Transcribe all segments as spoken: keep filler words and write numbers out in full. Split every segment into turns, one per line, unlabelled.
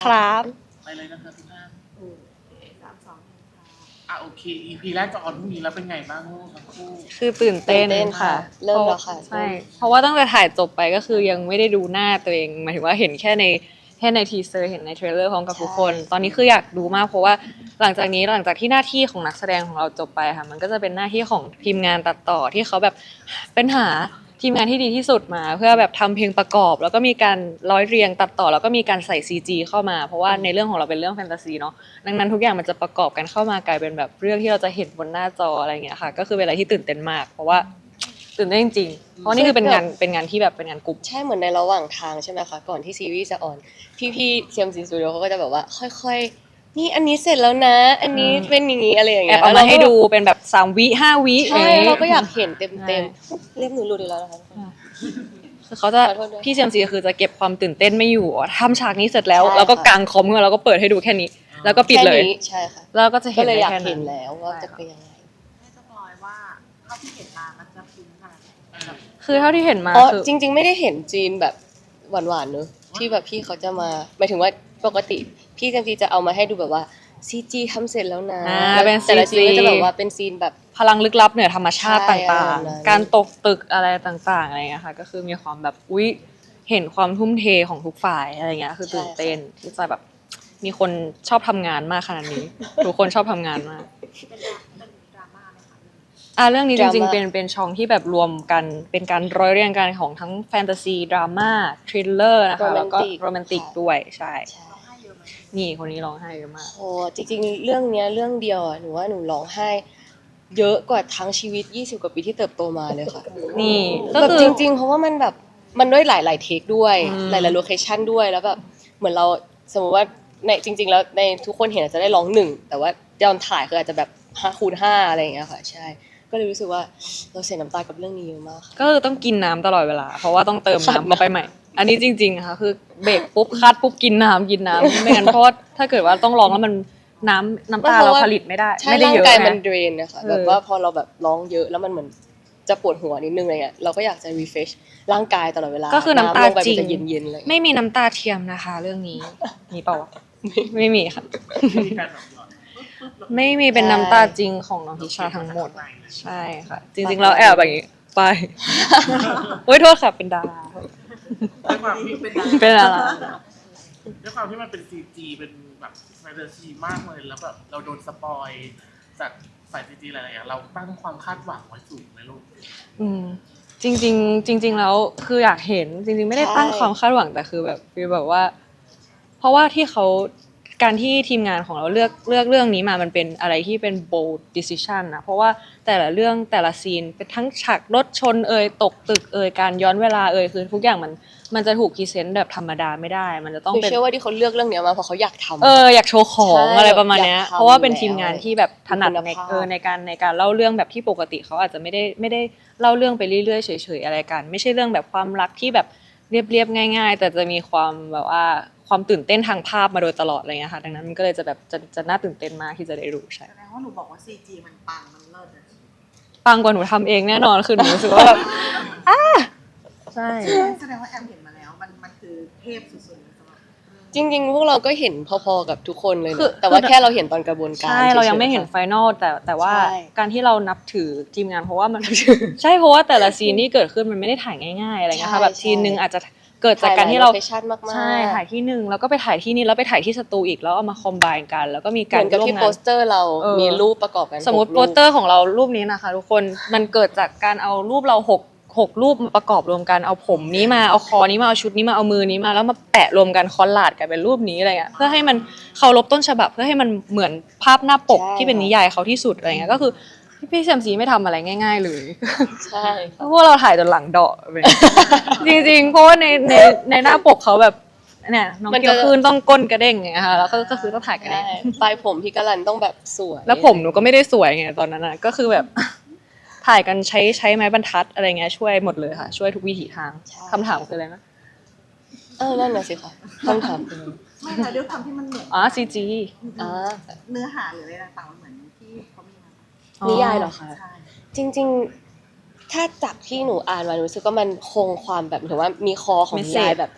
ครับ
ไปเลยนะคะทุกท่าน
อืมสามสองหนึ่งค่ะ
อ่ะโอเค อี พี แรกจะออนพรุ่งนี้แล้วเป็นไงบ้างลูกทั้งคู่
คือตื่นเต้น
ตื่นเต้น
ค่ะ
ค่ะเริ่มแล้วค่ะ
ใช่เพราะว่าตั้งแต่ถ่ายจบไปก็คือยังไม่ได้ดูหน้าตัวเองหมายถึงว่าเห็นแค่ในแค่ในทีเซอร์เห็นในเทรลเลอร์พร้อมกับทุกคน ตอนนี้คืออยากดูมากเพราะว่าหลังจากนี้หลังจากที่หน้าที่ของนักแสดงของเราจบไปค่ะมันก็จะเป็นหน้าที่ของทีมงานตัดต่อที่เขาแบบเป็นหาทีมงานที่ดีที่สุดมา เพื่อแบบทำเพลงประกอบ แล้วก็มีการร้อยเรียงตัดต่อแล้วก็มีการใส่ ซี จี เข้ามาเพราะว่าในเรื่องของเราเป็นเรื่องแฟนตาซีเนาะดังนั้นทุกอย่างมันจะประกอบกันเข้ามากลายเป็นแบบเรื่องที่เราจะเห็นบนหน้าจออะไรอย่างเงี้ยค่ะก็คือเป็นอะไรที่ตื่นเต้นมาก เพราะว่าตื่นเต้นจริงๆเพราะนี่คือเป็นงานเป็นงานที่แบบเป็นงานกลุ่ม
ใช่เหมือนในระหว่างทางใช่ไหมคะก่อนที่ซีรีส์จะออนพี่ๆ ซี เอ็ม ซี Studio เขาก็จะแบบว่าค่อยๆนี่อันนี้เสร็จแล้วนะ อันนี้เป็นอย่างนี้อะไรอย่าง
แอ
เงี้
บ
ย
เอามาให้ดูเป็นแบบสามวิห้าวิ
ใช่
อย่งงี้
เราก็อยากเห็นเต็ม
ใช่
เต็มเรียกหนูรู้ดีแล้วนะคะ
คือเขาจะ
ขอโทษด้วย
พี่เจมซีคือจะเก็บความตื่นเต้นไม่อยู่ทำฉากนี้เสร็จแล้ว
ใช่
แล้วก็
ค่ะ
กางคอมขึ้นมาแล้วก็เปิดให้ดูแค่นี้ แล้วก็ปิดเลย
แค่นี้ใช่ค่ะ
แล้วก็จะเห็
ก็
น
เลย
ได้
อยาก
แค่
เห็
นั้น น
แล้วว่าจะเป็นยังไง
ให้สปอยว่าเท่าที่เห็นมามันจะพิ้งขนาดไหนแบบ
คือเท่าที่เห็นมา
อ๋อ
คือ
จริง ๆ ไม่ได้เห็นจีนแบบหวานๆเนอะที่แบบพี่เขาจะมาหมายถึงว่าปกติพี่จังจีจะเอามาให้ดูแบบว่าซีจีทำเสร็จแล้วนะ
อ่า
แล้ว
เป็น
แต่ละซี
ซี
น
จี
ก็จะแบบว่าเป็นซีนแบบ
พลังลึกลับเหนือธรรมชาติ
ใช่
ต่าง
อะไรแบบนั้น
ๆ การตกตึกอะไรต่างๆอะไรเงี้ยค่ะก็คือมีความแบบอุ๊ยเห็นความทุ่มเทของทุกฝ่ายอะไรเงี้ยคือตื่นเต้นที่จะแบบมีคนชอบทำงานมากขนาดนี้ ทุกคนชอบทำงานมาก
เป็นดราเป็นดราม่าไหมคะ
อ่ะเรื่องนี้จริงๆ
ดราม่า
เป็นเป็นช่องที่แบบรวมกันเป็นการร้อยเรียงกันของทั้งแฟนตาซีดราม่าทริลเลอร์นะคะแล้วก็โรแมนติกด้วยใช่
ใช่
ร้องไห้เยอะไหม
นี่คนนี้ร้องไห้เยอะมาก
โอ้จริงๆ เรื่องเนี้ยเรื่องเดียวอ่ะหนูว่าหนูร้องไห้เยอะกว่าทั้งชีวิตยี่สิบกว่าปีที่เติบโตมาเลยค่ะ
นี่ก็
แบบ
คือ
จริงๆ เพราะว่ามันแบบมันด้วยหลายๆเทคด้วย
อืม
หลายๆโลเคชั่นด้วยแล้วแบบเหมือนเราสมมติว่าในจริง ๆ แล้วในทุกคนเห็นอาจจะได้ร้องหนึ่งแต่ว่าตอนถ่ายคืออาจจะแบบห้าคูณห้าอะไรอย่างเงี้ยค่ะใช่ ก็เลยรู้สึกว่าเราเสียน้ำตากับเรื่องนี้เยอะมากค่ะ
ก็คือต้องกินน้ำตลอดเวลา เพราะว่าต้องเติมน้ำเข้าไปใหม่ อันนี้จริงๆค่ะคือเบรกปุ๊บคัดปุ๊บกินน้ำกินน้ำไม่งั้นเพราะว่าถ้าเกิดว่าต้องร้องแล้วมันน้ำน้ำตาเราผลิตไม่ได้
ใช่
ไม่ได้
ร่าง
เยอะ
กาย
นะ
มันเดรนนะคะ
เออ
แบบว่าพอเราแบบร้องเยอะแล้วมันเหมือนจะปวดหัวนิดนึงอะไรเงี้ยเราก็อยากจะ refresh ร่างกายตลอดเวลา
ก็คือน้ำตา
ลงไป
จริ
มัน
ง
จะเย็นๆเลย
ไม่มีน้ำตาเทียมนะคะ เรื่องนี้มีเปล่าวะไม่มีค่ะ
มีการแบบหยอดปึ๊บปึ๊บแล้ว
ไม่มีเป็นน้ำตาจริงของน้องทิชาทั้งหมด ใช่ค่ะ จริงๆแล้วแอบแบบนี้ไป โอ้ยโทษค่ะเป็นดารา
ด้วยความที่เป็น
เป็นดารา
ด้วยความที่มันเป็น ซี จี เป็นแบบแฟนตาซีมากเลยแล้วแบบเราโดนสปอยจากสาย ซี จี หลายๆอย่างเราตั้งความคาดหวังไว้สูงไหมลูก
อืมจริงๆจริง ๆ แล้วคืออยากเห็นจริง ๆ ไม่ได้ตั้งความคาดหวังแต่คือแบบฟีลแบบว่า เพราะว่าที่เขาการที่ทีมงานของเราเลือกเลือกเรื่องนี้มามันเป็นอะไรที่เป็น bold decision นะเพราะว่าแต่ละเรื่องแต่ละซีนเป็นทั้งฉากรถชนเอ่ยตกตึกเอ่ยการย้อนเวลาเอ่ยคือทุกอย่างมันมันจะถูกพรีเซนต์แบบธรรมดาไม่ได้ มันจะต้อง
หนู
เป็น
เชื่อว่าที่เขาเลือกเรื่องเนี้ยมาเพราะเขาอยากทำ
เอออยากโชว์ของ
ใช่
อะไรประมาณเนี้ย
อยากทำ
เพราะว่าเป็นทีมงาน
แล้ว
ที่แบบถนัด
คุณ
ใน
ภาพ
เออในการในการเล่าเรื่องแบบที่ปกติเขาอาจจะไม่ได้ไม่ได้เล่าเรื่องไปเรื่อยๆเฉยๆอะไรกัน ไม่ใช่เรื่องแบบความรักที่แบบเรียบๆง่าย ๆ แต่จะมีความแบบว่าความตื่นเต้นทางภาพมาโดยตลอดอะไรเงี้ยค่ะดังนั้นมันก็เลยจะแบบจะจะน่าตื่นเต้นมากที่จะได้ดูใช่
แสดงว่าหนูบอกว่า ซี จี มันปังมันเลิศอะ
ปังกว่าหนูทำเองแน่นอนคือหนูรู้สึกว่าแบบอ้าใช่
แสดงว่าแอมเห็นมาแล้วมันมันคือเทพสุดๆเลยสำหรับเรื่อง
จริงๆ พวกเราก็เห็นพอๆกับทุกคนเลยนะ
คือ
แต่ว่าแค่เราเห็นตอนกระบวนการ
ใช่เรายังไม่เห็น
ฉๆ
ไฟนอลแต่แต่ว่า
ใช่
การที่เรานับถือทีมงานเพราะว่ามัน ใช่เพราะว่าแต่ละซีนที่เกิดขึ้นมันไม่ได้ถ่ายง่ายๆอะไรเงี้ยค่ะ
ใช่
แบบซีนหนึ่งอาจจะเกิดจาก
ถ่าย
การที่เรา
หลยโลเคชั่นมากๆ
ใช่ถ่ายที่หนึ่งแล้วก็ไปถ่ายที่นี่แล้วไปถ่ายที่สตูอีกแล้วเอามาคอมไบน์กัน แล้วก็มี
เห
การ
มือนกับ
ร่วม
ที่
งา
โป
น
สเตอร์เรา
เออ
มีรูปประกอบกัน
สมมติ
หก
โป
รู
สเตอร์ของเรารูปนี้นะคะทุกคนมันเกิดจากการเอารูปเราหกหกรูปมาประกอบรวมกันเอาผมนี้มาเอาคอนี้มาเอาชุดนี้มาเอามือนี้มาแล้วมาแปะรวมกันคอลลาดกันเป็นรูปนี้อะไรเงี้ยเพื่อให้มันเคารพต้นฉบับเพื่อให้มันเหมือนภาพหน้าปกที่เป็นนิยายเขาที่สุดอะไรเงี้ยก็คือพี่แซมซีไม่ทำอะไรง่าย ๆ เลย
ใช่
พวกเราถ่ายจนหลังเดาะไป จริงๆเพราะว่าในในในหน้าปกเขาแบบเนี่ยน้องเกียวคืนต้องก้นกระเด้งไงคะแล้วก็ก็คือต้องถ่ายกระ
ใช่
เด้ง
ปลายผมพี่กะลันต้องแบบสวย
แล้วผมหนูก็ไม่ได้สวยไงตอนนั้นนะก็คือแบบ ถ่ายกันใช้ใช้ไม้บรรทัดอะไรเงี้ยช่วยหมดเลยค่ะ ช่วยทุกวิถีทางคำถามคืออะไรนะ
เออนั่นน่ะสิค่ะคำถามคือ
ไม่แต่ด้วยความที่มันเหมือน
อ๋อซีจี
อ่า
เนื้อหาหรืออะไรต่างๆมันเหมือนที่เขามีมา
นิยายเหรอคะ
ใช่
จริงๆ ถ้าจากที่หนูอ่านมาหนูรู้สึกว่ามันคงความแบบถือว่ามีคอของนิยายแบบ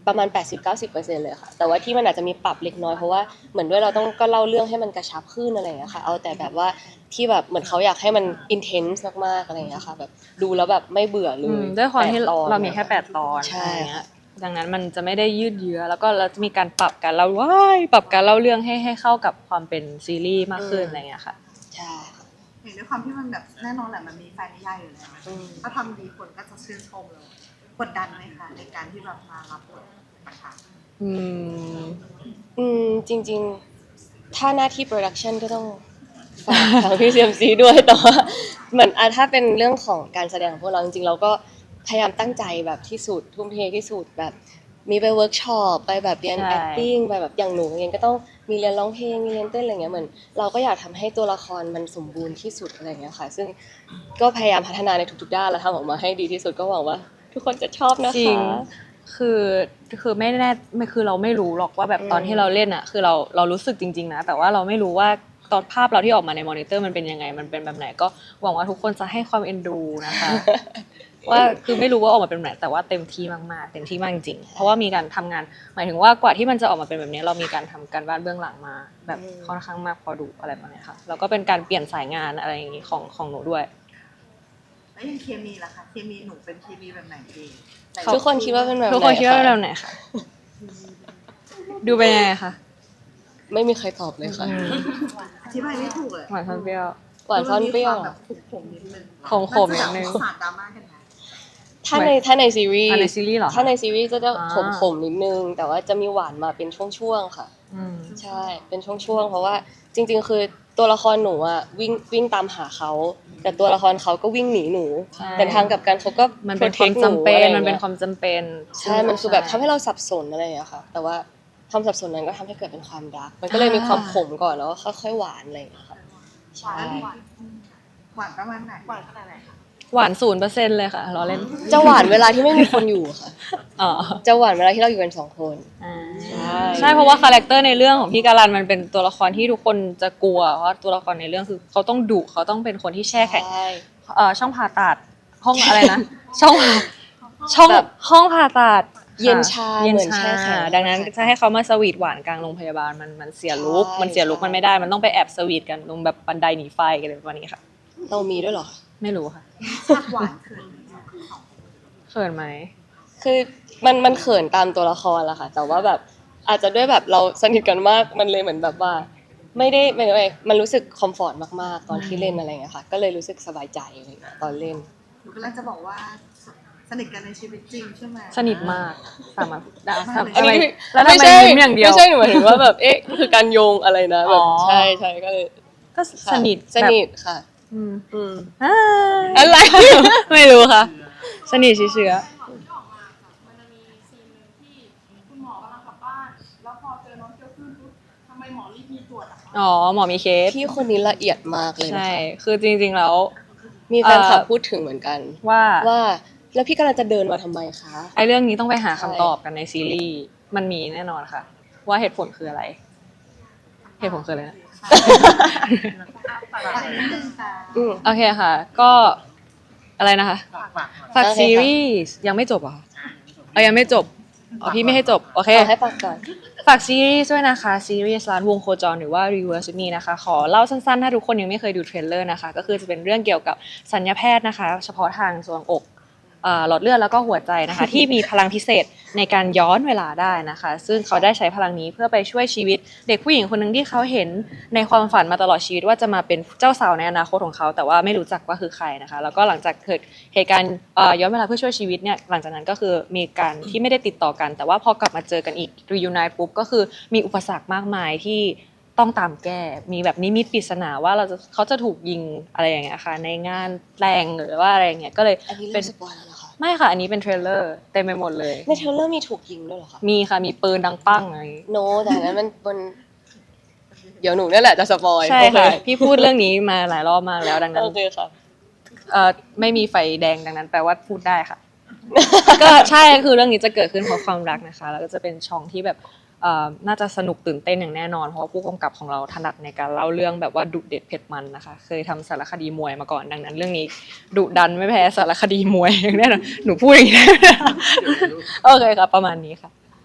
ประมาณ แปดสิบถึงเก้าสิบเปอร์เซ็นต์ เลยค่ะแต่ว่าที่มันอาจจะมีปรับเล็กน้อยเพราะว่าเหมือนด้วยเราต้องก็เล่าเรื่องให้มันกระชับขึ้นอะไรอย่างเงี้ยค่ะเอาแต่แบบว่าที่แบบเหมือนเขาอยากให้มัน intense มากๆอะไรอย่างเงี้ยค่ะแบบดูแล้วแบบไม่เบื่อเล
อื
ย
มด้วยความที่
แปดตอน
เรามีแค่แปดตอน
ใช่
อะไรเงี้ยดังนั้นมันจะไม่ได้ยืดเยื้อแล้วก็เราจะมีการปรับการเล่าว้ายปรับการเล่าเรื่องให้ให้เข้ากับความเป็นซีรีส์มากขึ้นอะไรเงี้ยค่ะ
ใช่ค่ะ
เห็นด้วยความที่มันแบบแน่นอนแหละมันมีแฟนนิยายอยู่แล้ว
อืม
ถ้าทำดีคนก็จะชื่นชมเลยกดดันไหมคะในการที่แบบมารับบทนะคะ
อืม
อืมจริงๆ ถ้าหน้าที่โปรดักชันก็ต้องฝากทางพี่ซีเอ็มซีด้วยแต่ว่าเหมือนอ่ะถ้าเป็นเรื่องของการแสดงของพวกเราจริงๆ เราก็พยายามตั้งใจแบบที่สุดทุ่มเทที่สุดแบบมีไปเวิร์กช็อปไปแบบเรียน
ใช่
acting ไปแบบอย่างหนูเองก็ต้องมีเรียนร้องเพลงมีเรียนเต้นอะไรเงี้ยเหมือนเราก็อยากทำให้ตัวละครมันสมบูรณ์ที่สุดอะไรเงี้ยค่ะ ซึ่งก็พยายามพัฒนาในทุกๆด้านแล้วทำออกมาให้ดีที่สุดก็หวังว่า ทุกคนจะชอบนะ
จริง
คะ
คือคือไม่แน่ไม่คือเราไม่รู้หรอกว่าแบบ
อืม
ตอนที่เราเล่นอ่ะคือเราเรารู้สึกจริงๆนะแต่ว่าเราไม่รู้ว่าตอนภาพเราที่ออกมาในมอนิเตอร์มันเป็นยังไงมันเป็นแบบไหนก็หวังว่าทุกคนจะให้ความเอ็นดูนะคะ ว่าคือไม่รู้ว่าออกมาเป็นแบบไหนแต่ว่าเต็มที่มากๆเต็มที่มากจริงๆเพราะว่ามีการทำงานหมายถึงว่ากว่าที่มันจะออกมาเป็นแบบนี้เรามีการทำการบ้านเบื้องหลังมา แบบ
อืม
ค่อนข้างมากพอดูอะไรแบบนี้ค่ะแล้วก็เป็นการเปลี่ยนสายงานอะไรอย่างงี้ของของหนูด้วย
แล้วยังเคมีล่ะคะเคมีหนูเป็นเคมีแบบไหนเอง
ทุกคนคิดว่าเป็นแบบไหน
ทุกคนคิดว่าเป็นแบ
ะ
บไหนคะดูเป็นยังไงคะ
ไม่มีใครตอบเลยค่ะ
อธิบายไม่ถูกเลย
หวานซ่อนเปรี้ยว
หวานซ่อนเปรี้ยว
มันมีความแบบขมๆนิดนึง
ขมๆนิดนึง
าจะแบบสาดดราม่ากันนะ
ถ้าในถ้าในซีรีส์
อ่ะในซีรีส์เหรอคะ
ถ้าในซีรีส์จะจะ
อ่า
ขมขมๆนิดนึง แต่ว่าจะมีหวานมาเป็นช่วงๆค่ะ
อืม
ใช่ เป็นช่วงๆ เพราะว่าจริงๆ คือตัวละครหนูอะวิ่งวิ่งตามหาเขา แต่ตัวละครเขาก็วิ่งหนีหนู
ใช่
แต่ทางกลับกันเขาก็
มันเป็นความ
protect
จำเป็น
หอะไร
มันเป็น
งี้ย
ความจำเป็น
ใช่ มันคือแบบทำให้เราสับสนอะไรอย่างเงี้ยค่ะ แต่ว่าความสับสนนั้นก็ทำให้เกิดเป็นความรัก มันก็เลยมีความขมก่อนแล้วก็ค่อยๆ หวานอะไรอย่างเงี้ยค่ะ ใช่
หวานหวานประมาณไหนหวานขนาดไหนคะ
หวานศูนย์เปอร์เซ็นต์เลยค่ะล้อเล่น
จะหวานเวลาที่ไม่มีคนอยู่ค่ะ
อ๋อ
จะหวานเวลาที่เราอยู่กันสองคน
อ่า
ใช่
ใช่เพราะว่าคาแรคเตอร์ในเรื่องของพี่การันมันเป็นตัวละครที่ทุกคนจะกลัวเพราะว่าตัวละครในเรื่องคือเขาต้องดุเขาต้องเป็นคนที่แช่แข็ง
ใช่
เอ่อช่องผ่าตัดห้องอะไรนะ ช่องช่อง
แบบ
ห้องผ่าตัด
เย็นชา
เย็น
เหมือน
ชา
แช่แข็ง
ดังนั้นจะให้เขามาสวีทหวานกลางโรงพยาบาลมันมันเสียลุค
ใช่
มันเสียลุค
ใช่
มันไม่ได้มันต้องไปแอบสวีทกันลงแบบบันไดหนีไฟกันอะไรประมาณนี้ค่ะ
เรามีด้วยเหรอ
ไม่รู้ค่ะ
ชาติหวานเขินไหมคะสองคน
เขินไหม
คือมันมันเขินตามตัวละครแหละค่ะ แต่ว่าแบบอาจจะด้วยแบบเราสนิทกันมากมันเลยเหมือนแบบว่า ไม่ได้ไม่ไม่มันรู้สึกคอมฟอร์ตมากๆ ตอนที่เล่นอะไรอย่างเงี้ยค่ะ ก็เลยรู้สึกสบายใจอะไรอย่างเงี้ยตอนเล่น
หนูกำลังจะบอกว่าสนิทกันในชีวิตจริงใช่ไหม
สนิทมากสามารถได้
มากเลย
ทำอะไร
อันนี้
แล้วทำ
ไม่
ไม
ใช่
ยิ้มอย่างเดียว
ไม่ใช่หนูหมายถึงว่าแบบเอ๊ะคือการโยงอะไรนะแบบ
อ๋อ
ใช่ใช่ก็เลย
ก็
ค่ะ
สนิท
สนิทค่ะ
อืม
อืม
อ่า
อะไร
ไม่รู้ค่ะ สนิทเชื้อ
ที่ออกมาค่ะมันจะมีซีนหนึ่งที่คุณหมอกำลังกลับบ้าน แล้วพอเจอน้องเกียวขึ้นปุ๊บทำไมหมอรีบมีตรวจอะคะ
อ๋อหมอมีเคส
พี่คนนี้ละเอียดมากเลยนะ
ใช่
คะ
คือจริงๆแล้ว
มีแฟนคลับ
เอ่อ
พูดถึงเหมือนกัน
ว่า
ว่าแล้วพี่กำลังจะเดินมาทำไมคะ
ไอ้เรื่องนี้ต้องไปหาคำ
ใช่
ตอบกันในซีรีส์มันมีแน่นอนค่ะ ว่าเหตุผลคืออะไร เหตุผลคืออะไรนะ
ฝากนิดนึงค่ะ
อืม
โอเคค่ะ ก็อะไรนะคะ
ฝากฝากหน่อย
ฝาก
โอเคค่ะ
ซีรีส์ยังไม่จบเหรอคะเอายังไม่จบอ๋อพี่ไม่ให้จบโอเค
เอาให้ฟังก่อน
ฝากซีรีส์ด้วยนะคะซีรีส์ร้านวงโคจรหรือว่า Reverse Me นะคะขอเล่าสั้นๆ ถ้าทุกคนยังไม่เคยดูเทรลเลอร์นะคะก็คือจะเป็นเรื่องเกี่ยวกับสัญญาแพทย์นะคะ เฉพาะทางส่วนอกเอ่อหลอดเลือดแล้วก็หัวใจนะคะ ที่มีพลังพิเศษในการย้อนเวลาได้นะคะ ซึ่งเขาได้ใช้พลังนี้เพื่อไปช่วยชีวิตเด็กผู้หญิงคนหนึ่งที่เขาเห็นในความฝันมาตลอดชีวิตว่าจะมาเป็นเจ้าสาวในอนาคตของเขาแต่ว่าไม่รู้จักว่าคือใครนะคะ แล้วก็หลังจากเกิดเหตุการณ์เอ่อย้อนเวลาเพื่อช่วยชีวิตเนี่ยหลังจากนั้นก็คือมีการที่ไม่ได้ติดต่อกัน แต่ว่าพอกลับมาเจอกันอีก reunite ปุ๊บก็คือมีอุปสรรคมากมายที่ต้องตามแก้ มีแบบนิมิตปริศนาว่าเราจะเขาจะถูกยิงอะไรอย่างเงี้ยค่ะในงานแต่งหรือว่าอะไรอย่างเงี้ยก็เลย
อันนี้
เป็
เริ่
น
มสปอยแล้วเหรอคะ
ไม่ค่ะ อันนี้เป็นเทรลเลอร์เต็มไปหมดเลย
ในเทรลเลอร์มีถูกยิงด้วยเหรอคะ
มีค่ะ มีปืนดังปั้งอะไรอย่างงี้
โนแต่อันนั้นมันมันเดี๋ยวหนูนี่แหละจะสปอย
ใช่
โอเ
ค่ะ พี่พูดเรื่องนี้มาหลายรอบมากแล้วดังนั้น
โอเคค่ะ
เอ่อไม่มีไฟแดงดังนั้นแปลว่าพูดได้ค่ะ ก็ใช่คือเรื่องนี้จะเกิดขึ้นเพราะความรักนะคะ แล้วก็จะเป็นช่องที่แบบเอ่อน่าจะสนุกตื่นเต้นอย่างแน่นอน เพราะว่าผู้กำกับของเราถนัดในการเล่าเรื่องแบบว่าดุเด็ดเผ็ดมันนะคะ เคยทำสารคดีมวยมาก่อนดังนั้น เรื่องนี้ดุดันไม่แพ้สารคดีมวยอย่างแน่นอนหนูพูดอย่างนี้ได้ไหมโอเคค่ะประมาณนี้ค่ะ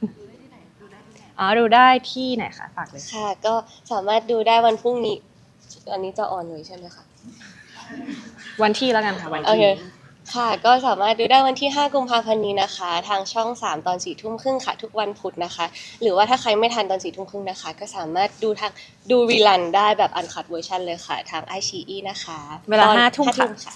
อ๋อดูได้ที่ไหนคะฝากเลย
ค่ะ ก็สามารถดูได้วันพรุ่งนี้ อันนี้จะออนเลยใช่ไหมคะ
วันที่แล้วกันค่ะวัน
โอเค
ที่
ค่ะ ก็สามารถดูได้วันที่ ห้า กุมภาพันธ์นี้นะคะ ทางช่อง สาม ตอน สี่ ทุ่มครึ่งค่ะ ทุกวันพุธนะคะ หรือว่าถ้าใครไม่ทันตอน สี่ ทุ่มครึ่งนะคะ ก็สามารถดูทางดูรีลันได้แบบอันคัดเวอร์ชันเลยค่ะ ทางไอชีอีนะคะ
เวลา
ตอน
ห้าทุ่มค่ะ
ค่ะ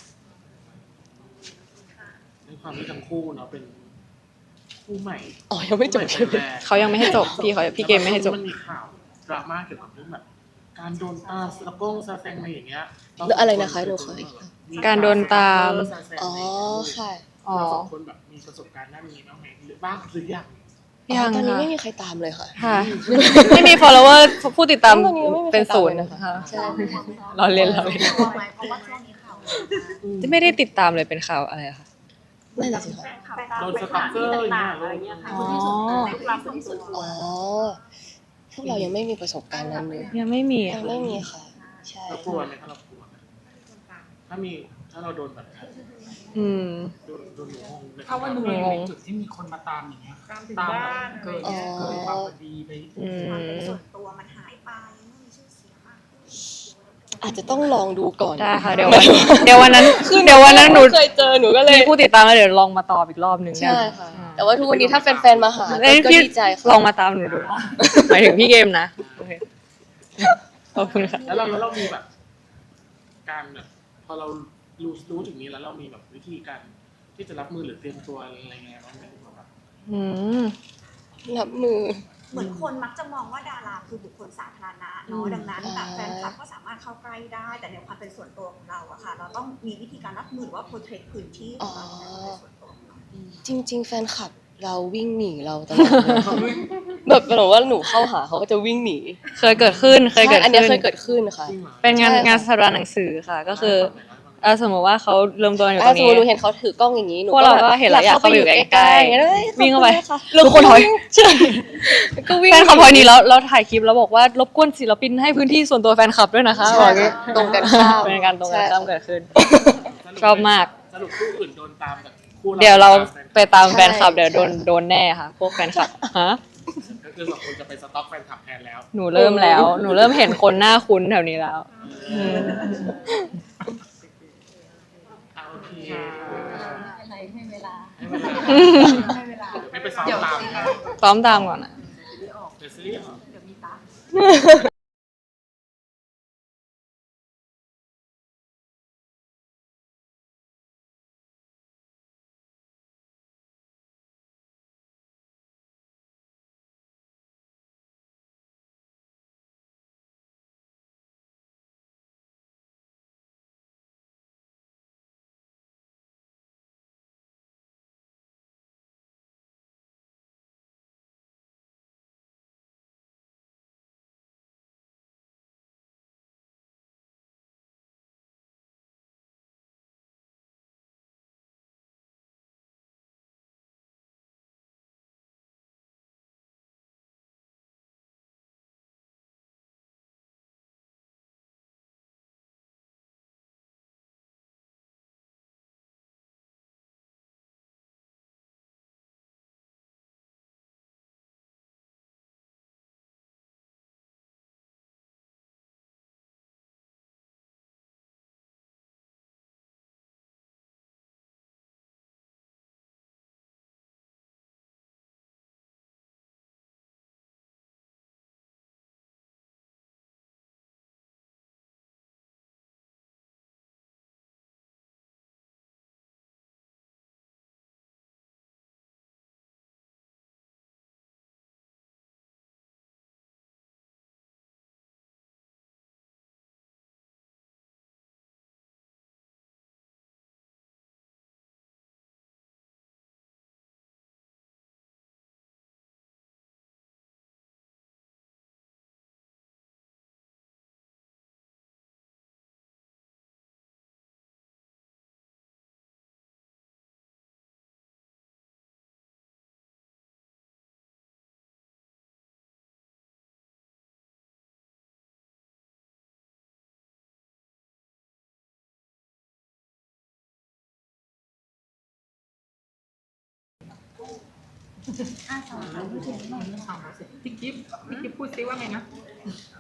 ในความที่ทั้งคู่เนาะเป็นคู่ใหม่
อ๋อ ยังไม่จบใช่ไหม
คู่ใแรก
เขายังไม่ให้จบพี่เขาพี่เกมไม่ให้จบ
มันมีข่าวดราม่าเกี่ยวกับเรื่องแบบการโดนตามสะกงสะแซงอะไรอย่างเงี้ย
อะไรนะคะหนูขออีก
การโดนตาม
อ๋อ ค่ะ
อ๋อ
เราสองคนแบบมีประสบการณ์ด้านนี้บ้างไหมหรือบ้างหรือยัง
ยัง
ตอนนี้
ค่ะ
ไม่มีใครตามเลยค่ะ
ค่ะ ไม่มี follower ผู้ติดตาม
ตอนนี้ไม่มีใคร
เป็นศูนย์
ตามเลยนะคะ
ค่ะ
ใช่
เราเล่นเราเล่น
กลัวไหมเพราะว่าช่วงนี้ข่าวเยอะมาก
ไม่ได้ติดตามเลยเป็นข่าวอะไรอะคะ
นั่นแหละสิค่ะ
โดนสตั๊กเกอร์อย่างเงี้ย
อ๋อ
อ๋อ พวกเรายังไม่มีประสบการณ์นั้นเลย
ยังไม่มี
ยังไม่มีค่ะ ใช่
เรากลัวไหมถ้าเรากลัวไหมถ้ามีถ้าเราโดนแบบนั้น
อืม
โดนโดนหนูงงไหม
ถ้าวันหนึ่ง
งง
เราอยู่ในจุดที่มีคนมาตามอย่างเงี้ยตามแบบเกิน
อ๋อ
เกินความพอดีไป
อื
ความเป็น
ม
ส่วนตัวมันหายไปไม่มีชื่อเสียงมากขึ้น
อาจจะต้องลองดูก่อน
ได้ค่ะเดี๋ยววันเดี๋ยววันนั้นเดี๋ยววันนั้นหนู
เคยเจอหนูก็เลย
มีผู้ติดตามแล้วเดี๋ยวลองมาตอบอีกรอบหนึ่ง
ใช่ค่ะ แต่ว่าทุกวันนี้ถ้าแฟนๆมาหา
เอ้ย
ก็
พี่
ดีใจค่ะ
ลองมาตามหนูดูหมายถึงพี่เกมนะโอเคขอบคุณค่ะ
แล้วเราแล้วเรามีแบบ การแบบพอเรารู้รู้ถึงนี้แล้วเรามีแบบวิธีการที่จะรับมือหรือเตรียมตัวอะไรเงี้ยบ้างไหมแบบ
อืม
รับมือ
เหมือนคนมักจะมองว่าดาราคือบุคคลสาธารณะเนาะดังนั้นแบบแฟนคลับก็สามารถเข้าใกล้ได้ แต่ในความเป็นส่วนตัวของเราอะค่ะ เราต้องมีวิธีการรับมือหรือว่าโปรเทคพื้นที่ของเราในความเป็นส่วนตัวของเรา
จริง ๆ แฟนคลับเราวิ่งหนีเราตลอดเลย แบบหนูว่าหนูเข้าหาเขาก็จะวิ่งหนี
เคยเกิดขึ้นเคยเกิด
ใช่อันเนี้ย
ขึ้น
เคยเกิดขึ้นค่ะ
จริงเหรอ
เป็นงาน
ใช่ค่ะ
งานสถาบันหนังสือค่ะ ก็คือเออสมมติว่าเขารวมตัวอยู่ต
อ่ะ
รง
สม
นี้
มติหนูเห็นเขาถือกล้องอย่างนี้หนู
พวกเราก็เห็นแล้วอยากเข้าไปอยู่ใกล้ๆ
อย่างเงี้ยเลย
วิ่งเข้าไป
ขอบคุณนะคะ
แล้วคนถอย
ใช่ก็วิ่ง
แฟนคลับพอยนี้แล้วเราถ่ายคลิปแล้วบอกว่ารบกวนศิลปินให้พื้นที่ส่วนตัวแฟนคลับด้วยนะคะ
ใช่
บอกอย่างงี้
ตรงกันข้าม
เป็นการตรงกันข้ามเกิดขึ้น
สรุป
ชอบมาก
สรุปคู่อื่นโดนตามแบบคู่
เดี๋ยวเราไป
ตาม
ตามแฟนคลับเดี๋ยวโดนโดนแน่ค่ะ พวกแฟนคลับฮะ
ก็คือสองคนจะไปสต็อกแฟนคลับแทนแล้ว
หนูเริ่มแล้ว หนูเริ่มเห็นคนหน้าคุ้นแถวนี้แล้ว
อ่ะโอเค
ให้เวลา
ให้เวลา
ให้เวลา
ไม่ไปซ้อมตามนะ
ซ้อมตามก่อนนะ
เดี๋ยวซีรีส์ออก
เดี๋ยวมีตา
อ่ะสองสามพูดถึงหน่อย
ถามเราสิพี่กิฟพี่กิฟพูดซิว่าไงนะ